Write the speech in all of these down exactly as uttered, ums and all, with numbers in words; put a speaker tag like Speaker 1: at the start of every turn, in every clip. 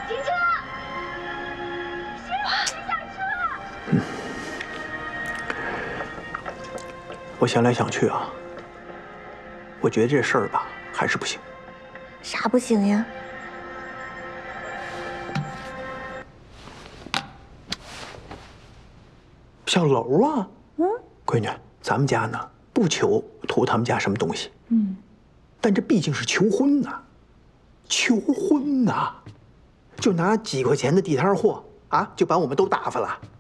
Speaker 1: 停车！谁下车？嗯，
Speaker 2: 我想来想去啊，我觉得这事儿吧还是不行。
Speaker 1: 啥不行呀？
Speaker 2: 小楼啊，嗯，闺女，咱们家呢不求图他们家什么东西，嗯，但这毕竟是求婚呐，求婚呐，就拿几块钱的地摊货啊，就把我们都打发了。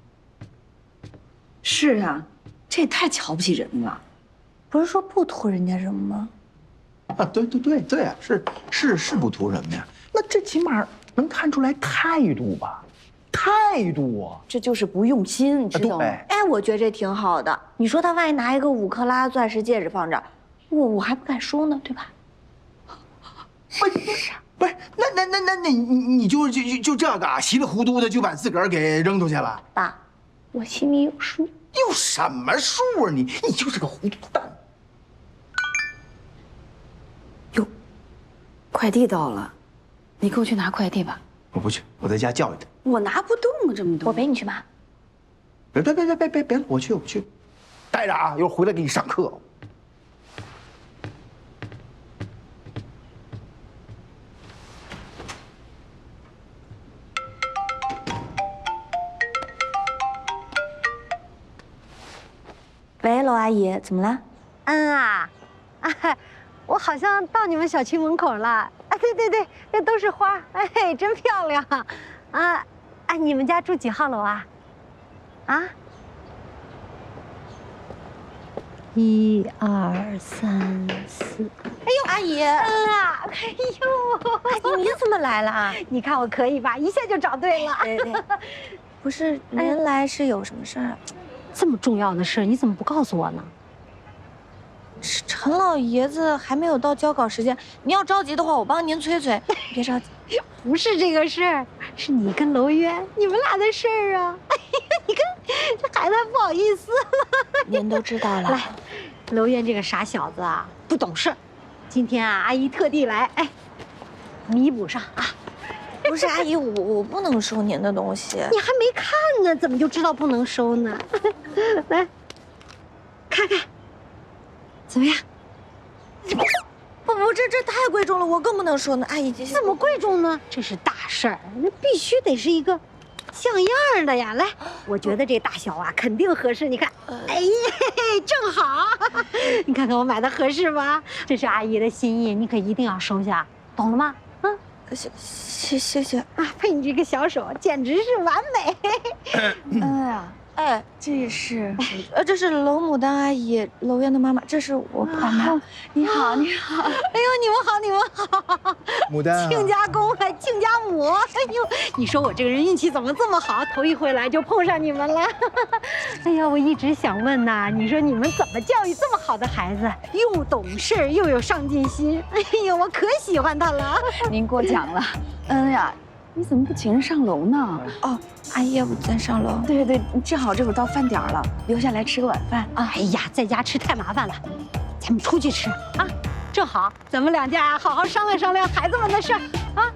Speaker 3: 是啊，这也太瞧不起人了。
Speaker 1: 不是说不图人家什么吗？
Speaker 2: 啊，对对对对啊，是是是不图什么呀？那这起码能看出来态度吧？态度啊，
Speaker 3: 这就是不用心，你知道吗？
Speaker 1: 哎，我觉得这挺好的。你说他万一拿一个五克拉钻石戒指放这儿，我我还不敢收呢，对吧？
Speaker 2: 不是不是，那那那那那你你就就就就这个啊，稀里糊涂的就把自个儿给扔出去了？
Speaker 1: 爸，我心里有数。
Speaker 2: 有什么数啊你？你就是个糊涂蛋。
Speaker 3: 哟，快递到了，你跟我去拿快递吧。
Speaker 2: 我不去，我在家教育他。
Speaker 3: 我拿不动啊，这么多。
Speaker 1: 我陪你去拿。
Speaker 2: 别别别别别别别了，我去我去，待着啊，一会儿回来给你上课。
Speaker 1: 喂，娄阿姨，怎么了？
Speaker 4: 嗯啊，啊，我好像到你们小区门口了。啊，对对对，这都是花，哎，真漂亮。啊，啊，你们家住几号楼啊？啊？一二三四。
Speaker 1: 哎呦，阿姨，
Speaker 4: 嗯啊，哎呦，
Speaker 1: 阿姨你怎么来了啊？
Speaker 4: 你看我可以吧？一下就找对了。
Speaker 1: 对对，不是您来是有什么事儿啊？
Speaker 4: 这么重要的事，你怎么不告诉我呢？
Speaker 1: 陈老爷子还没有到交稿时间，您要着急的话，我帮您催催。别着急，
Speaker 4: 不是这个事儿，是你跟娄渊你们俩的事儿啊！哎呀，你看这孩子还不好意思了。
Speaker 1: 您都知道了。
Speaker 4: 来，娄渊这个傻小子啊，不懂事。今天啊，阿姨特地来，哎，弥补上啊。
Speaker 1: 不是阿姨，我我不能收您的东西。
Speaker 4: 你还没看呢，怎么就知道不能收呢？来，看看，怎么样？
Speaker 1: 不不，这这太贵重了，我更不能收呢。阿姨，这
Speaker 4: 怎么贵重呢？这是大事儿，那必须得是一个像样的呀。来，我觉得这大小啊，肯定合适。你看，哎呀，正好，你看看我买的合适吧？这是阿姨的心意，你可一定要收下，懂了吗？嗯。
Speaker 1: 谢谢谢谢
Speaker 4: 啊！配你这个小手，简直是完美。
Speaker 1: 嗯呀，哎，这是，呃，这是娄牡丹阿姨，娄渊的妈妈，这是我爸妈。
Speaker 3: 你好，你好。哎
Speaker 4: 呦，你们好，你们好。
Speaker 2: 牡丹、啊，
Speaker 4: 亲家公还亲家母。哎呦，你说我这个人运气怎么这么好？头一回来就碰上你们了。哎呀，我一直想问呐，你说你们怎么教育这么好的孩子，又懂事又有上进心？哎呀，我可喜欢他了。
Speaker 3: 您过奖了。嗯呀，你怎么不请人上楼呢？
Speaker 1: 哦，阿姨，要不咱上楼？
Speaker 3: 对对对，正好这会儿到饭点了，留下来吃个晚饭啊。
Speaker 4: 哎呀，在家吃太麻烦了，咱们出去吃啊。正好咱们两家好好商量商量孩子们的事儿啊。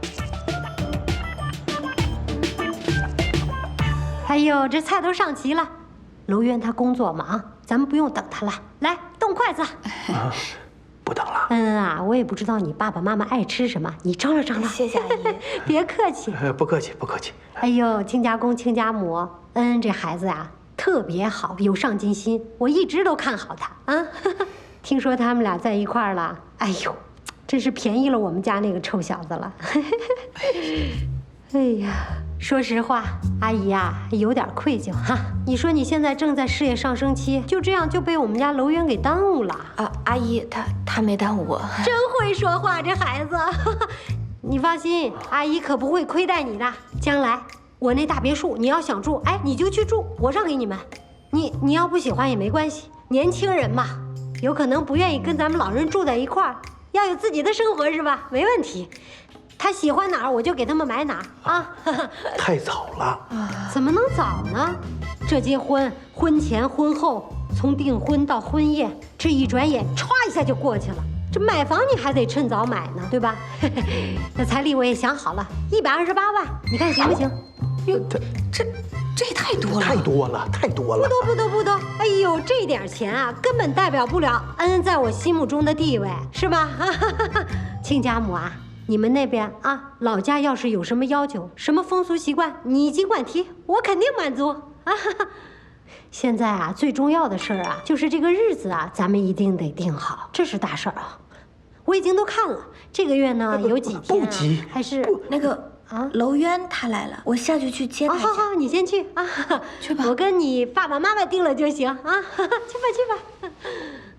Speaker 4: 哎呦，这菜都上齐了。娄渊他工作忙，咱们不用等他了。来，动筷子。
Speaker 2: 啊，不等了。
Speaker 4: 嗯啊，我也不知道你爸爸妈妈爱吃什么，你张罗张罗。
Speaker 1: 谢谢阿姨。
Speaker 4: 别客气。
Speaker 2: 呃，不客气，不客气。
Speaker 4: 哎呦，亲家公亲家母，恩这孩子呀特别好，有上进心，我一直都看好他啊。听说他们俩在一块儿了，哎呦，真是便宜了我们家那个臭小子了。哎呀，说实话，阿姨呀、啊、有点愧疚哈。你说你现在正在事业上升期，就这样就被我们家娄渊给耽误了
Speaker 1: 啊！阿姨，他他没耽误我，
Speaker 4: 真会说话，这孩子。你放心，阿姨可不会亏待你的。将来我那大别墅你要想住，哎，你就去住，我让给你们。你你要不喜欢也没关系，年轻人嘛。有可能不愿意跟咱们老人住在一块儿，要有自己的生活是吧？没问题，他喜欢哪儿我就给他们买哪儿啊。
Speaker 2: 太早了，
Speaker 4: 怎么能早呢？这结婚婚前婚后，从订婚到婚宴，这一转眼歘一下就过去了。 这买房你还得趁早买呢，对吧？那彩礼我也想好了，一百二十八万，你看行不行？
Speaker 3: 哟，这这这也太多了，
Speaker 2: 太多了，太多了。
Speaker 4: 不多不多不多，哎呦，这点钱啊，根本代表不了恩恩在我心目中的地位，是吧？亲家母啊，你们那边啊，老家要是有什么要求，什么风俗习惯，你尽管提，我肯定满足啊。现在啊，最重要的事儿啊，就是这个日子啊，咱们一定得定好，这是大事儿啊。我已经都看了，这个月呢有几天、啊、
Speaker 2: 不急，
Speaker 4: 还是
Speaker 1: 那个啊，楼渊他来了，我下去去接他一下。
Speaker 4: 好好，你先去啊，
Speaker 1: 去吧，
Speaker 4: 我跟你爸爸妈妈定了就行啊，去吧去吧。